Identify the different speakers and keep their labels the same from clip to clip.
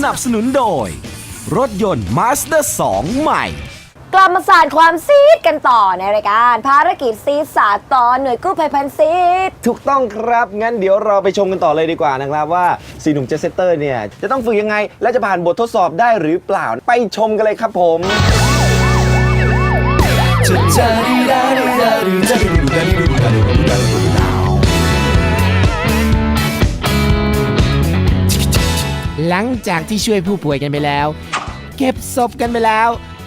Speaker 1: นับสนุนโดยรถยนต์ Mazda 2 ใหม่
Speaker 2: กลับมาสานความซีดกันต่อในรายการภารกิจซีดสาดตอนหน่วยกู้ภัยพันซีด
Speaker 3: ถูกต้องครับงั้นเดี๋ยวเราไปชมกันต่อเลยดีกว่านะครับว่า4หนุ่มเจสเซตเตอร์เนี่ยจะต้องฝึกยังไงและจะผ่านบททดสอบได้หรือเปล่าไปชมกันเลยครับผม
Speaker 4: หลังจากที่ช่วยผู้ป่วยกันไปแล้วเก็บศพกันไปแล้ว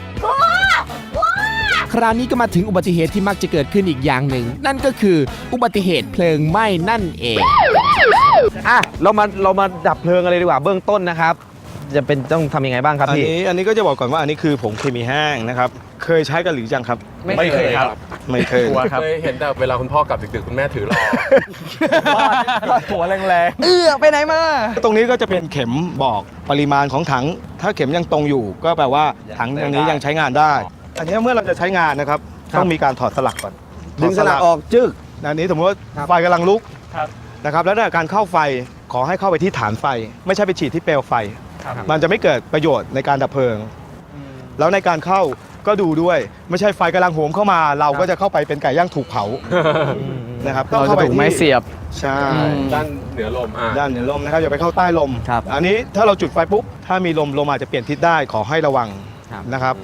Speaker 4: คราวนี้ก็มาถึงอุบัติเหตุที่มักจะเกิดขึ้นอีกอย่างหนึ่งนั่นก็คืออุบัติเหตุเพลิงไหม้นั่นเอง
Speaker 3: เรามาดับเพลิงกันเลยดีกว่าเบื้องต้นนะครับจะเป็นต้องทำยังไงบ้างครับพี่
Speaker 5: อันนี้ก็จะบอกก่อนว่าอันนี้คือผงเคมีแห้งนะครับเคยใช้กันหรือยังครับ
Speaker 6: ไม่เคยครับ
Speaker 5: ไม่เคย
Speaker 6: เคยเห็นแต่เวลาคุณพ่อกลับดึกๆคุณแม่ถือรอ
Speaker 3: หัวแรง
Speaker 5: ไปไหนมาตรงนี้ก็จะเป็นเข็มบอกปริมาณของถังถ้าเข็มยังตรงอยู่ก็แปลว่าถังตรงนี้ยังใช้งานได้อันนี้เมื่อเราจะใช้งานนะครับต้องมีการถอดสลักก่อน
Speaker 3: ดึงสลักออกจึ๊ก
Speaker 5: อันนี้สมมติว่าไฟกำลังลุกนะครับแล้วในการเข้าไฟขอให้เข้าไปที่ฐานไฟไม่ใช่ไปฉีดที่เปลวไฟมันจะไม่เกิดประโยชน์ในการดับเพลิงแล้วในการเข้าก็ดูด้วยไม่ใช่ไฟกำลังโหมเข้ามาเราก็จะเข้าไปเป็นไก่ย่างถูกเผานะครับ
Speaker 6: เราจะถูกไม้เสียบ
Speaker 5: ใช่
Speaker 6: ด้านเหนือลม
Speaker 5: ด้านเหนือลมนะครับอย่าไปเข้าใต้ลมอันนี้ถ้าเราจุดไฟปุ๊บถ้ามีลมอาจจะเปลี่ยนทิศได้ขอให้ระวังนะครับ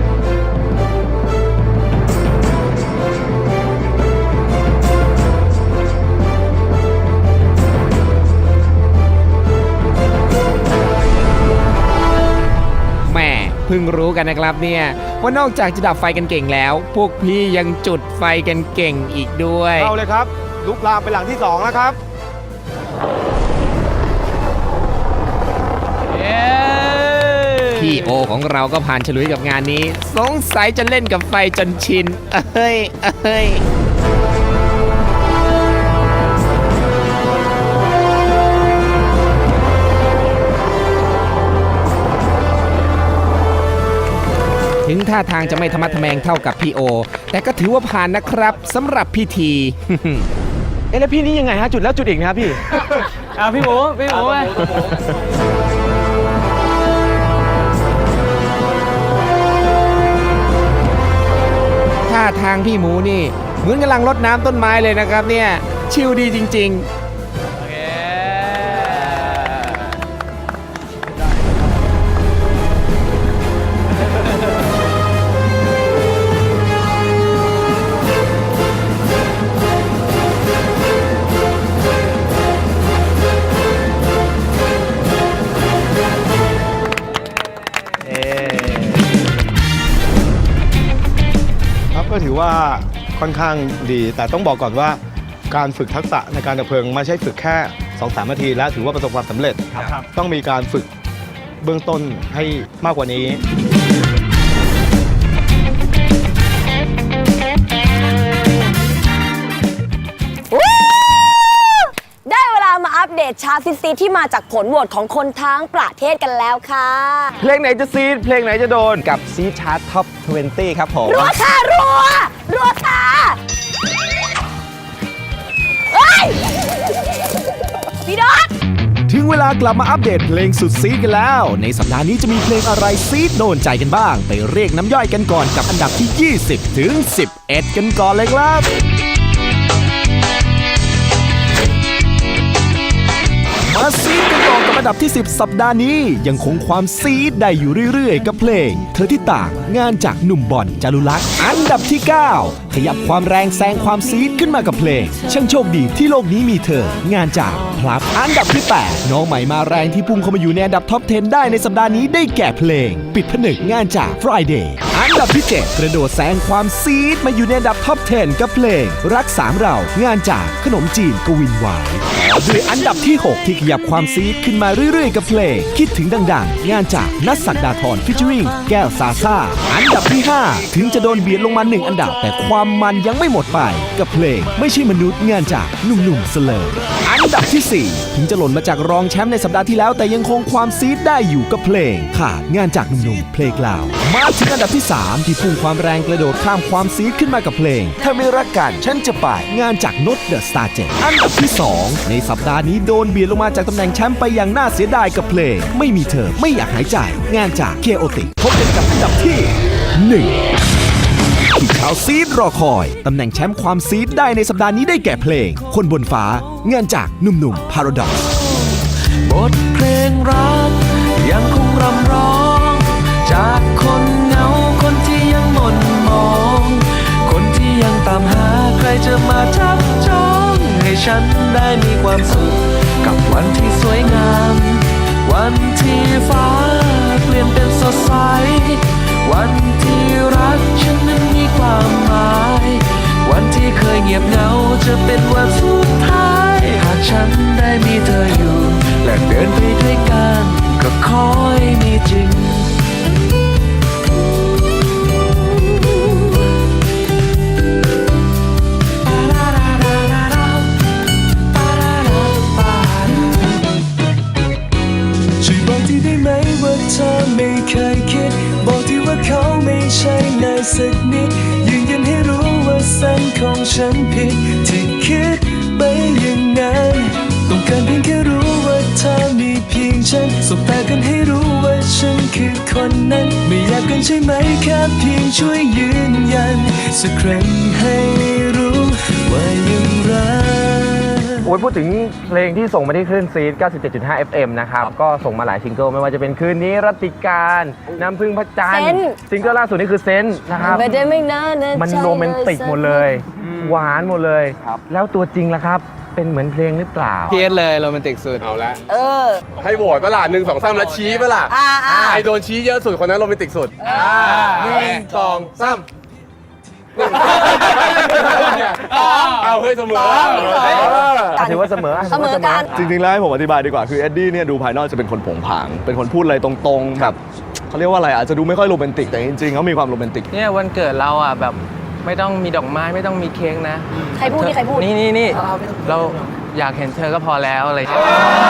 Speaker 4: เพิ่งรู้กันนะครับเนี่ยว่านอกจากจะดับไฟกันเก่งแล้วพวกพี่ยังจุดไฟกันเก่งอีกด้วย
Speaker 5: เข้าเลยครับลุกลามไปหลังที่2แล้วครับ
Speaker 4: พี่โอของเราก็ผ่านฉลุยกับงานนี้สงสัยจะเล่นกับไฟจนชินเอ้ยถึงท่าทางจะไม่ธรรมะทแมงเท่ากับพี่โอแต่ก็ถือว่าผ่านนะครับสำหรับพิธี
Speaker 3: แล้วพี่นี่ยังไงฮะจุดแล้วจุดอีกนะครับพี่
Speaker 6: พี่หมู
Speaker 4: ท่าทางพี่หมูนี่เหมือนกำลังรดน้ำต้นไม้เลยนะครับเนี่ยชิลดีจริงๆ
Speaker 5: ก็ถือว่าค่อนข้างดีแต่ต้องบอกก่อนว่าการฝึกทักษะในการดับเพลิงไม่ใช่ฝึกแค่ 2-3 นาทีแล้วถือว่าประสบความสำเร็จต้องมีการฝึกเบื้องต้นให้มากกว่านี้
Speaker 2: ได้เวลามาอัปเดตชาร์ตซีดที่มาจากผลโหวตของคนทั้งประเทศกันแล้วค่ะ
Speaker 3: เพลงไหนจะซีดเพลงไหนจะโดนกับซีดชาร์ตท็อป 20 ครับผม
Speaker 2: รัวค่ะรัวค่ะเฮ้ยพี่ดอท
Speaker 1: ถึงเวลากลับมาอัปเดตเพลงสุดซีดกันแล้วในสัปดาห์นี้จะมีเพลงอะไรซีดโดนใจกันบ้างไปเรียกน้ำย่อยกันก่อนกับอันดับที่ 20 ถึง 11 กันก่อนเลยครับมาซีดกันต่อกับอันดับที่ 10 สัปดาห์นี้ยังคงความซีดได้อยู่เรื่อยๆกับเพลงเธอที่ต่างงานจากหนุ่มบอลจารุลักษณ์อันดับที่ 9 ขยับความแรงแซงความซีดขึ้นมากับเพลงช่างโชคดีที่โลกนี้มีเธองานจากพลับอันดับที่ 8 น้องใหม่มาแรงที่พุ่งเข้ามาอยู่ในอันดับท็อป 10 ได้ในสัปดาห์นี้ได้แก่เพลงปิดผนึกงานจาก Friday อันดับที่ 7 กระโดดแซงความซีดมาอยู่ในอันดับท็อป 10 กับเพลงรัก3เรางานจากขนมจีนกวินหวายด้วยอันดับที่ 6 ที่ขยับความซีดขึ้นมาเรื่อยๆกับเพลงคิดถึงดังๆงานจากนัทศักดาธรฟิชเชอริงแก้วซาซ่าอันดับที่ 5 ถึงจะโดนเบียดลงมา1อันดับแต่ความมันยังไม่หมดไปกับเพลงไม่ใช่มนุษย์งานจากหนุ่มๆเสลออันอันดับที่ 4 ถึงจะหล่นมาจากรองแชมป์ในสัปดาห์ที่แล้วแต่ยังคงความซีดได้อยู่กับเพลงขาดงานจากหนุ่มๆเพลงลาวมาถึงอันดับที่ 3 ที่พุ่งความแรงกระโดดข้ามความซีดขึ้นมากับเพลงถ้าไม่รักกันฉันจะไปงานจากนดเดอะสตาร์เจ็ดอันดับที่ 2 ในสัปดาห์นี้โดนเบียดลงมาจากตำแหน่งแชมป์ไปอย่างน่าเสียดายกับเพลงไม่มีเธอไม่อยากหายใจงานจากเคโอติพบกันกับอันดับที่ 1 ที่ชาวซีดรอคอยตำแหน่งแชมป์ความซีดได้ในสัปดาห์นี้ได้แก่เพลงคนบนฟ้างานจากหนุ่มๆ Paradox
Speaker 7: บทเพลงรักยังคงรำร้อง จากคนเหงาคนที่ยังหม่นมอง คนที่ยังตามหาใครจะมาจับจองให้ฉันได้มีความสุขกับวันที่สวยงาม วันที่ฟ้าเปลี่ยนเป็นสดใส วันที่รักฉันนั้นมีความหมาย วันที่เคยเงียบเหงาจะเป็นวันสุดท้าย หากฉันได้มีเธออยู่ และเดินไปด้วยกันก็ขอให้มีจริง ช่วยบอกทีได้ไหมว่าเธอไม่เคยคิด บอกทีว่าเขาไม่ใช่เลยสักนิด ยืนยันให้รู้ว่าเส้นของฉันผิด ที่คิดไปอย่างนั้นต้องการเพียงแค่รู้ว่าเธอมีเพียงฉันสบตากันให้รู้ว่าฉันคือคนนั้น ไม่อยากกันใช่ไหมแค่เพียงช่วยยืนยันสักครั้งให้รู้ว่ายังรัก
Speaker 3: โอ้ยพูดถึงเพลงที่ส่งมาที่คลื่นซีด 97.5 FM นะครับก็ส่งมาหลายซิงเกิลไม่ว่าจะเป็นคืนนี้รัตติการน้ำพึ่งพระจันทร์
Speaker 2: เซน
Speaker 3: ซิงเกิลล่าสุดนี่คือเซนนะครับ
Speaker 2: ไม่ได้ไม่นานนะ
Speaker 3: มัน
Speaker 2: ใจ
Speaker 3: โรแมนติกหมดเลย หวานหมดเลย แล้วตัวจริงล่ะครับ เป็นเหมือนเพลงหรือเปล่า
Speaker 6: เพียเลยโรแมนติกสุด เอาละ
Speaker 2: เออ
Speaker 6: ให้โหวตปะล่ะ1 2 3แล้วชี้ปะล่ะ ใครโดนชี้เยอะสุดคนนั้นโรแมนติกสุด1 2 3เอาเฮ้ยเสมอ
Speaker 3: ถือว่าเสมอ
Speaker 2: เสมอกัน
Speaker 5: จริงๆแล้วให้ผมอธิบายดีกว่าคือเอ็ดดี้เนี่ยดูภายนอกจะเป็นคนโผงผาง เป็นคนพูดอะไรตรงๆแบบเขาเรียกว่าอะไรอาจจะดูไม่ค่อยโรแมนติกแต่จริงๆเขามีความโรแมนติก
Speaker 8: เนี่ยวันเกิดเราอ่ะแบบไม่ต้องมีดอกไม้ไม่ต้องมีเค้กนะ
Speaker 2: ใครพูดนี่ใครพูด
Speaker 8: นี่เราอยากเห็นเธอก็พอแล้วอะไรอย่างเงี้ย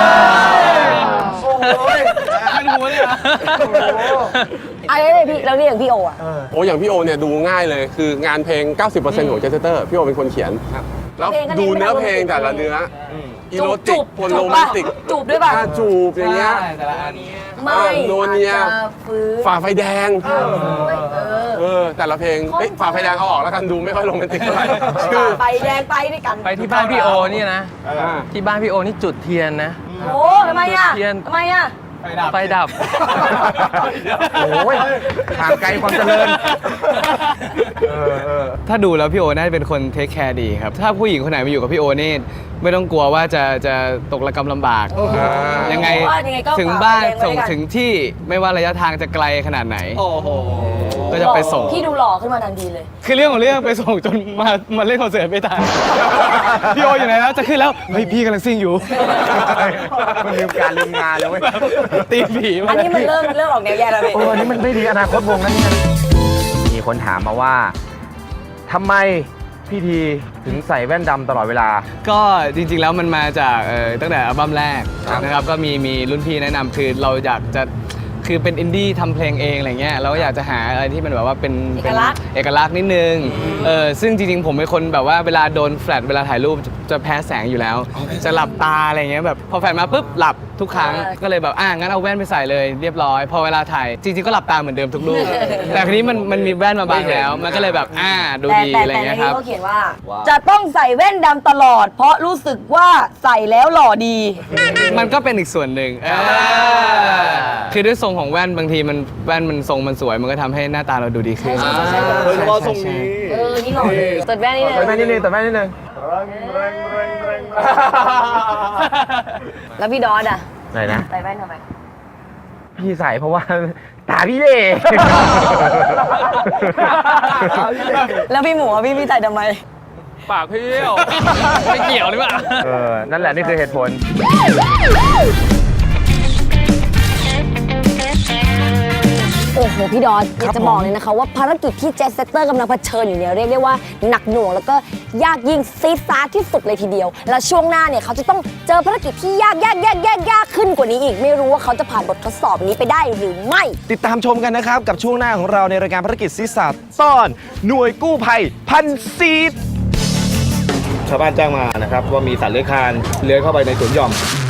Speaker 6: มันหัวเลยอ่ะ
Speaker 2: อะไรเลยพี่แล้วนี่อย่างพี่โออ่ะ
Speaker 6: โอ้อย่างพี่โอเนี่ยดูง่ายเลย คืองานเพลง 90% ของเจสเตอร์ พี่โอเป็นคนเขียน แล้วดูเนื้อเพลงแต่ละเนื้ออีโรติกปนโรแมนติก
Speaker 2: จูบด้วยป่ะ
Speaker 6: จูบอย่างเงี้ย
Speaker 2: ไม่
Speaker 6: โนเนีย
Speaker 2: จะฟื้น
Speaker 6: ฝ่าไฟแดง
Speaker 2: เออ
Speaker 6: แต่ละเพลงเอ้ยฝ่าไฟแดงเอาออกแล้วกันดูไม่ค่อยโรแมนติกเท่าไหร่ชื่อ
Speaker 2: ไปแดงไปด้วยกัน
Speaker 8: ไปที่บ้านพี่โอนี่นะ ที่บ้านพี่โอนี่จุดเทียนนะ
Speaker 2: โอ้ทำไมอ่ะ
Speaker 8: เทียน
Speaker 2: ทำไมอ่ะ
Speaker 8: ไฟดับ
Speaker 3: โอ้ยห่างไกลความเจริญ
Speaker 9: ถ้าดูแล้วพี่โอน่าจะเป็นคนเทคแคร์ดีครับ ถ้าผู้หญิงคนไหนมาอยู่กับพี่โอนี่ไม่ต้องกลัวว่าจะตกระกำลำบาก ยังไง
Speaker 2: เพราะว่ายังไงก็
Speaker 9: ถึงบ้าน
Speaker 2: ฝากไว้
Speaker 9: ส่ง
Speaker 2: ด้วยกัน
Speaker 9: ถึงที่ไม่ว่าระยะทางจะไกลขนาดไหนก็จะไปส่ง
Speaker 2: พี่ดูหล่อขึ้นมาทันทีเลย
Speaker 9: คือเรื่องของเรื่องไปส่งจนมาเล่นคอนเสิร์ตไม่ทัน พี่โออยู่ไหนแล้วจะขึ้นแล้วเฮ้ยพี่กำลังซิ่งอยู่
Speaker 3: มันลืมการลืมงานแล้วเว้ย
Speaker 9: ตีผี
Speaker 2: อันนี้มันเริ่มออกแนวแย่แล้วพี่
Speaker 3: โอ้อันนี้มันไม่ดีอนาคตวงนั้นเนี่ยมีคนถามมาว่าทำไมพี่ทีถึงใส่แว่นดำตลอดเวลา
Speaker 9: ก็จริงๆแล้วมันมาจากตั้งแต่อัลบั้มแรกนะครับก็มีรุ่นพี่แนะนำคือเราอยากจะคือเป็นอินดี้ทำเพลงเองอะไรเงี้ยเราก็อยากจะหาอะไรที่มันแบบว่าเป็นเอกลักษณ์นิดนึงซึ่งจริงๆผมเป็นคนแบบว่าเวลาโดนแฟลชเวลาถ่ายรูปจะแพ้แสงอยู่แล้ว จะหลับตาอะไรเงี้ยแบบพอแฟลชมาปุ๊บหลับทุกครั้งก็เลยแบบงั้นเอาแว่นไปใส่เลยเรียบร้อยพอเวลาถ่ายจริงๆก็หลับตาเหมือนเดิมทุกรูป แต่ทีนี้มันมีแว่นมาบังแล้ว มันก็เลยแบบดูดีอะไร
Speaker 2: แต่ใน
Speaker 9: เงี้ยค
Speaker 2: นี้
Speaker 9: รับ
Speaker 2: เขาเขียนว่า จะต้องใส่แว่นดำตลอด เพราะรู้สึกว่าใส่แล้วหล่อดี
Speaker 9: มันก็เป็นอีกส่วนหนึ่งคือด้วยทรงของแว่นบางทีแว่นมันทรงมันสวยมันก็ทำให้หน้าตาเราดูดีขึ้น
Speaker 5: โดยเฉพาะทรงนี้
Speaker 2: นี่หล่อเลยตดแว่นนี่เลย
Speaker 3: แต่แม่นิดนึงแต่แม่นิดนึง
Speaker 2: แล้วพี่ดอสอ่ะ
Speaker 3: ไหนนะ
Speaker 2: ใส่แว่นทำไม
Speaker 3: พี่ใส่เพราะว่า ตาพี่เล่
Speaker 2: แล้วพี่หมูพี่ใส่ทำไม
Speaker 8: ปากพี่ไม่เกี่ยวหรือเปล่า
Speaker 3: นั่นแหละนี่คือเหตุผล
Speaker 2: โอ้โห พี่ดอนอยากจะบอกเลยนะคะว่าภารกิจที่เจสเซตเตอร์กำลังเผชิญอยู่เนี่ยเรียกได้ว่าหนักหน่วงแล้วก็ยากยิ่งซีดซาร์ที่สุดเลยทีเดียว แล้วช่วงหน้าเนี่ยเขาจะต้องเจอภารกิจที่ยากขึ้นกว่านี้อีกไม่รู้ว่าเขาจะผ่านบททดสอบนี้ไปได้หรือไม่
Speaker 3: ติดตามชมกันนะครับ กับช่วงหน้าของเราในรายการภารกิจซีดสาดตอนหน่วยกู้ภัยพันซีด
Speaker 5: ชาวบ้านแจ้งมานะครับว่ามีสัตว์เลื้อยคลานเลื้อยเข้าไปในสวนหย่อม